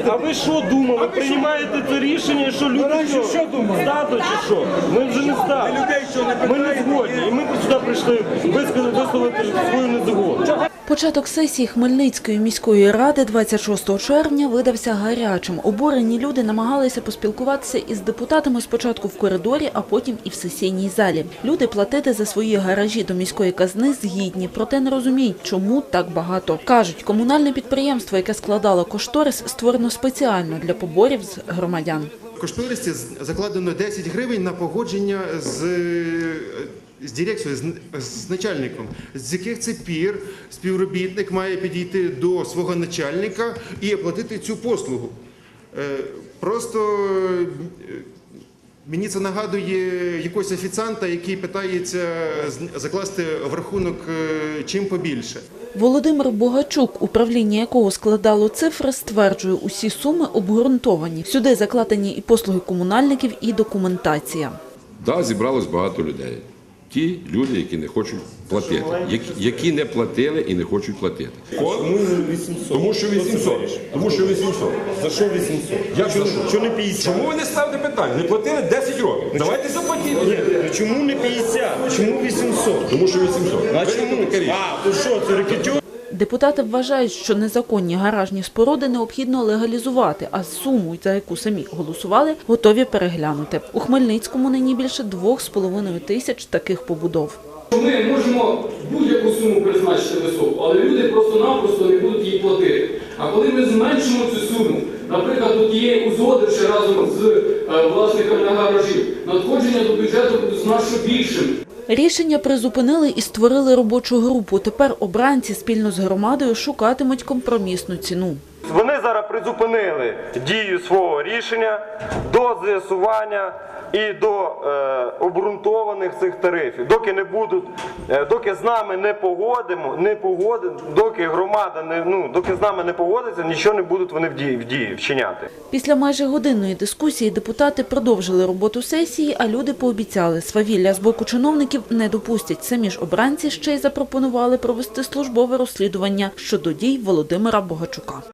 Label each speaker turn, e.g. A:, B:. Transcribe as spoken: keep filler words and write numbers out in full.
A: А ви що думали? Приймаєте це рішення, що люди що,
B: що думали?
A: стадо чи що? Ми вже не стадо. Ми не згодні. І ми сюди прийшли висказати, висловити свою незгоду.
C: Початок сесії Хмельницької міської ради двадцять шостого червня видався гарячим. Обурені люди намагалися поспілкуватися із депутатами спочатку в коридорі, а потім і в сесійній залі. Люди платити за свої гаражі до міської казни згідні, проте не розуміють, чому так багато. Кажуть, комунальне підприємство, яке складало кошторис, створено спеціально для поборів з громадян.
D: В кошторисі закладено десять гривень на погодження з, з дирекцією, з, з начальником, з яких це пір співробітник має підійти до свого начальника і оплатити цю послугу. Просто мені це нагадує якогось офіціанта, який питається закласти в рахунок чим побільше.
C: Володимир Богачук, управління якого складало цифри, стверджує, усі суми обґрунтовані. Сюди закладені і послуги комунальників, і документація.
E: Так, зібралось багато людей. Ті люди, які не хочуть платити, які, які не платили і не хочуть платити.
A: Чому вісімсот?
E: Тому що вісімсот. Тому що вісімсот.
A: За що вісімсот?
E: Як за що?
A: Що не п'ятдесят?
E: Чому ви не ставите питання? Не платили десять років. Давайте заплатіть.
A: Ні, чому не п'ятдесят? Чому вісімсот?
E: Тому що вісімсот.
A: А чому? А, то що, це рекетюр?
C: Депутати вважають, що незаконні гаражні споруди необхідно легалізувати, а суму, за яку самі голосували, готові переглянути. У Хмельницькому нині більше двох з половиною тисяч таких побудов.
F: Ми можемо будь-яку суму призначити високу, але люди просто-напросто не будуть її платити. А коли ми зменшимо цю суму, наприклад, до тієї узгодивши разом з е, власниками гаражів, надходження до бюджету буде значно більшим.
C: Рішення призупинили і створили робочу групу. Тепер обранці спільно з громадою шукатимуть компромісну ціну.
A: Вони зараз призупинили дію свого рішення до з'ясування і до е, обґрунтованих цих тарифів. Доки не будуть, е, доки з нами не погодимо, не погодимо, доки громада не ну, доки з нами не погодиться, нічого не будуть вони в дії, в дії вчиняти.
C: Після майже годинної дискусії депутати продовжили роботу сесії, а люди пообіцяли, свавілля з боку чиновників не допустять. Самі ж обранці ще й запропонували провести службове розслідування щодо дій Володимира Богачука.